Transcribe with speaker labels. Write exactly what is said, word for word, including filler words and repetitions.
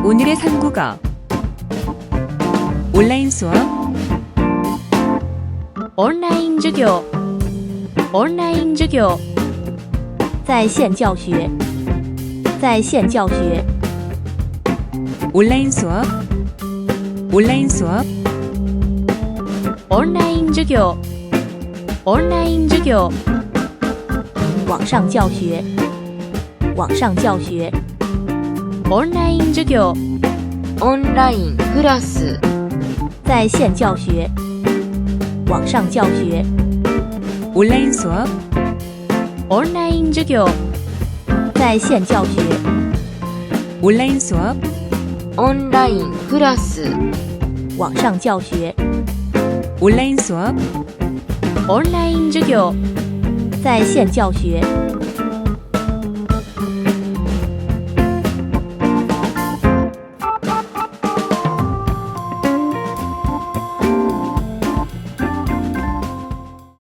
Speaker 1: 오늘의 삼국어 온라인 수업
Speaker 2: 온라인 授業 온라인 授業在线教学在线教学
Speaker 1: 온라인 수업 온라인 수업
Speaker 2: 온라인 授業 온라인 授業网上教学网上教学 온라인 授業
Speaker 3: オンラインクラス
Speaker 2: 在线教学网上教学
Speaker 1: 온라인 수업
Speaker 2: 온라인 授業在线教学
Speaker 1: 온라인 수업
Speaker 3: オンラインクラス
Speaker 2: 网上教学
Speaker 1: 온라인 수업
Speaker 2: 온라인 授業在线教学